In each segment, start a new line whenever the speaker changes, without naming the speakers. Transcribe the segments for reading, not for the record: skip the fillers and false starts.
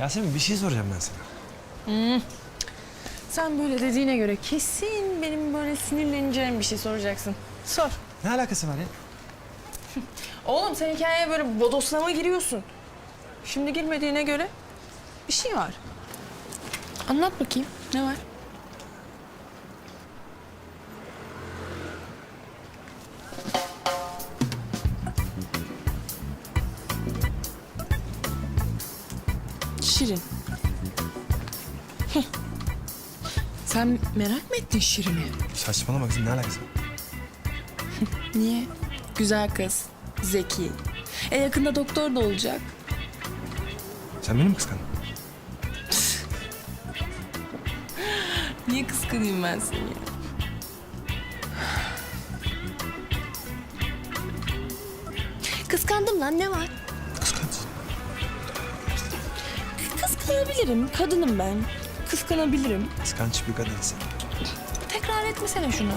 Yasemin bir şey soracağım ben sana.
Sen böyle dediğine göre kesin benim böyle sinirleneceğim bir şey soracaksın. Sor.
Ne alakası var ya?
Oğlum sen hikayeye böyle bodoslama giriyorsun. Şimdi girmediğine göre bir şey var. Anlat bakayım. Ne var? Şirin. Heh. Sen merak mı ettin Şirin'i?
Saçmalama kızım, ne alakası var?
Niye? Güzel kız, zeki. Yakında doktor da olacak.
Sen beni mi kıskandın?
Niye kıskanayım ben seni? Kıskandım lan, ne var?
Kıskancısın.
Kıskanabilirim, kadınım ben. Kıskanabilirim.
Kıskanç bir kadınsın.
Tekrar etmesene şunu.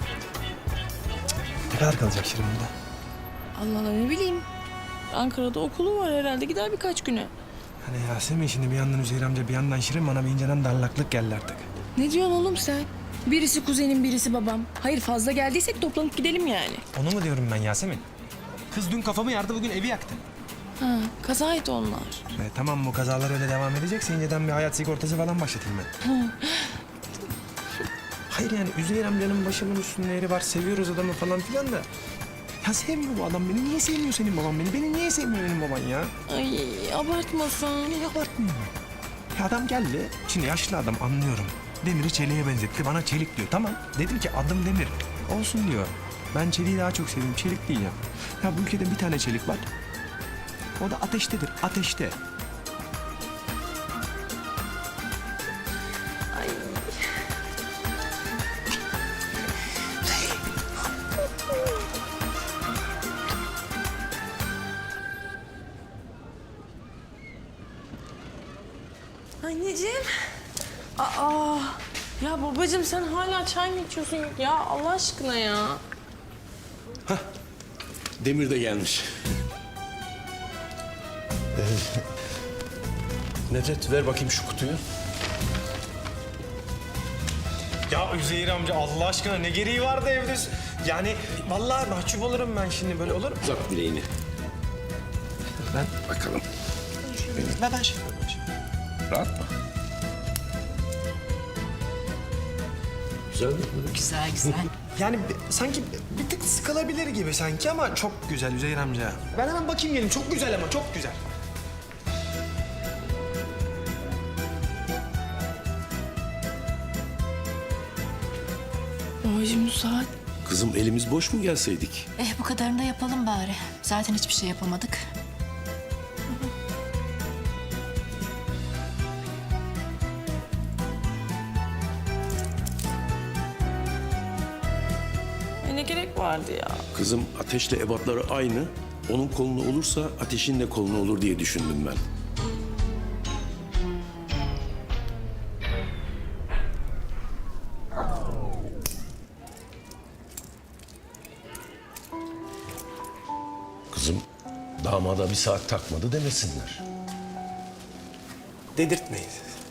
Ne kadar kalacak Şirin burada?
Allah Allah, ne bileyim. Ankara'da okulu var herhalde, gider birkaç güne.
Hani Yasemin şimdi bir yandan Üzeyir amca bir yandan Şirin, bana bir inceden darlaklık geldi artık.
Ne diyorsun oğlum sen? Birisi kuzenim, birisi babam. Hayır, fazla geldiysek toplanıp gidelim yani.
Onu mu diyorum ben Yasemin? Kız dün kafamı yardı, bugün evi yaktı.
Ha, kazaydı onlar.
Tamam, bu kazalar öyle devam edecekse inceden bir hayat sigortası falan başlatayım ben. Hayır yani Üzeyir amcanın başımın üstünde yeri var, seviyoruz adamı falan filan da. Ya sevmiyor bu adam beni. Niye sevmiyor senin baban beni? Beni niye sevmiyor benim baban ya?
Ay, abartmasın.
Niye abartmıyor? Ya adam geldi. Şimdi yaşlı adam, anlıyorum. Demir'i çeliğe benzetti. Bana çelik diyor. Tamam. Dedim ki adım Demir. Olsun diyor. Ben çeliği daha çok seviyorum. Çelik değil ya. Ya bu ülkede bir tane çelik var. O da ateştedir. Ateşte.
Anneciğim. Aa. Ya babacığım sen hala çay mı içiyorsun? Ya Allah aşkına ya.
Demir de gelmiş. Nedret ver bakayım şu kutuyu.
Ya Üzeyir amca Allah aşkına ne gereği vardı evde? Yani vallahi mahcup olurum ben şimdi, böyle olur mu?
Uzat bileğini.
Ben
Bakalım.
ben şey yapıyorum şimdi.
Rahat mı? Güzel mi?
Güzel güzel.
Yani sanki bir tık sıkılabilir gibi sanki ama çok güzel Üzeyir amca. Ben hemen bakayım gelin. Çok güzel ama çok güzel.
Babacığım bu saat.
Kızım elimiz boş mu gelseydik?
Bu kadarını da yapalım bari. Zaten hiçbir şey yapamadık.
Ne gerek vardı ya?
Kızım ateşle ebatları aynı. Onun kolunu olursa ateşin de kolunu olur diye düşündüm ben. Kızım damada bir saat takmadı demesinler.
Dedirtmeyin.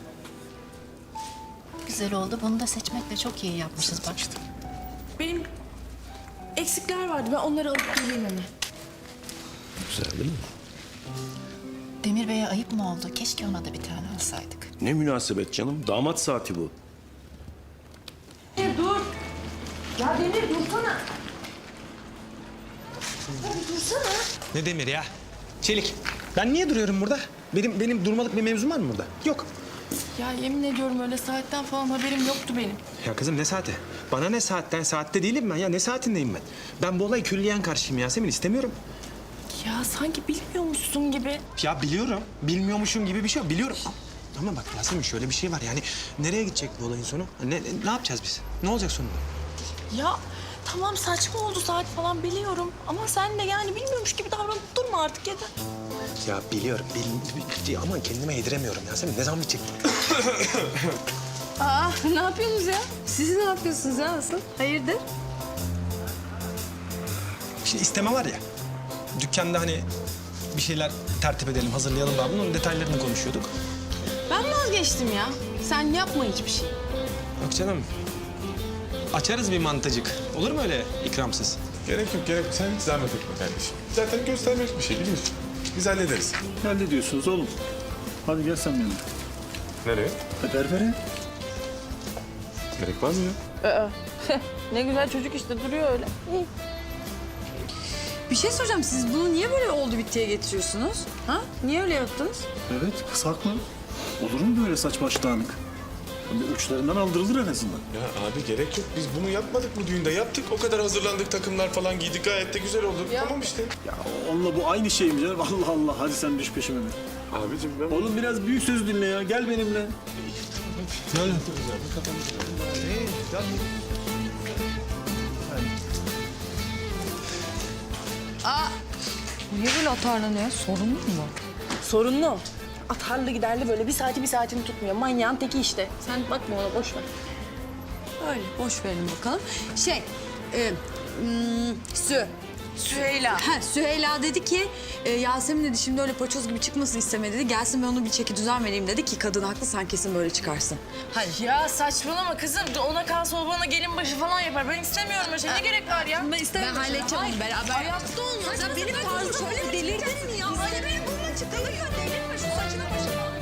Güzel oldu. Bunu da seçmekle çok iyi yapmışız bak.
Benim eksikler vardı. Ben onları alıp geleyim hemen.
Güzel değil mi?
Demir Bey'e ayıp mı oldu? Keşke ona da bir tane alsaydık.
Ne münasebet canım. Damat saati bu.
Dur. Ya Demir dursana. Ya bir dursana.
Ne Demir ya? Çelik. Ben niye duruyorum burada? Benim durmalık bir mevzum var mı burada? Yok.
Ya yemin ediyorum öyle saatten falan haberim yoktu benim.
Ya kızım ne saati? Bana ne saatten? Saatte değilim ben ya. Ne saatindeyim ben? Ben bu olayı külliyen karşıyım Yasemin. İstemiyorum.
Ya sanki bilmiyormuşsun gibi.
Ya biliyorum. Bilmiyormuşum gibi bir şey yok. Biliyorum. Ama bak Yasemin şöyle bir şey var. Yani nereye gidecek bu olayın sonu? Ne yapacağız biz? Ne olacak sonunda?
Ya tamam saçma oldu saat falan biliyorum. Ama sen de yani bilmiyormuş gibi davranıp durma artık yeter.
Ya biliyorum. Ama kendime yediremiyorum Yasemin. Ne zaman bitecek?
Aa, ne yapıyorsunuz ya? Siz ne yapıyorsunuz ya asıl? Hayırdır?
Şimdi isteme var ya. Dükkanda hani bir şeyler tertip edelim, hazırlayalım daha bunun detaylarını konuşuyorduk.
Ben vazgeçtim ya. Sen yapma hiçbir şey.
Yok canım. Açarız bir mantıcık. Olur mu öyle ikramsız?
Gerek yok, gerek yok. Sen hiç zahmet etme kardeşim. Zaten göstermek bir şey biliyorsun. Biz hallederiz.
Hallediyorsunuz oğlum. Hadi gel sen benimle.
Nereye?
Berbere.
Gerek var mı ya?
Ne güzel çocuk işte duruyor öyle. İyi.
Bir şey soracağım. Siz bunu niye böyle oldu bittiye getiriyorsunuz? Ha? Niye öyle yaptınız?
Evet, kısak mı? Olur mu böyle saç baş dağınık? Bir uçlarından aldırılır en azından.
Ya abi gerek yok. Biz bunu yapmadık mı düğünde? Yaptık. O kadar hazırlandık, takımlar falan giydik. Gayet de güzel oldu. Tamam işte.
Ya onunla bu aynı şey mi canım? Allah Allah, hadi sen düş peşime be.
Abicim ben...
Oğlum biraz büyük söz dinle ya, gel benimle.
Niye böyle atarlanıyor? Sorun mu bu?
Sorunlu. Atarlı giderli böyle bir saatini tutmuyor. Manyağın teki işte. Sen bakma ona boş ver.
Öyle boş verin bakalım. Süheyla. Ha, Süheyla dedi ki Yasemin dedi şimdi öyle paçoz gibi çıkmasını istemedi dedi. Gelsin ben onu bir çeki düzen vereyim dedi ki kadın haklı sen kesin böyle çıkarsın. Hadi.
Ya saçmalama kızım. Ona kalsa o bana gelin başı falan yapar. Ben istemiyorum öyle şey. Ne gerek var ya?
Ben halledeceğim onu beraber. Hayatta olmaz. Ya benim tarzım öyle delirdin mi ya? Hani benim burnuma çıkılır ya delirme şu saçına başına.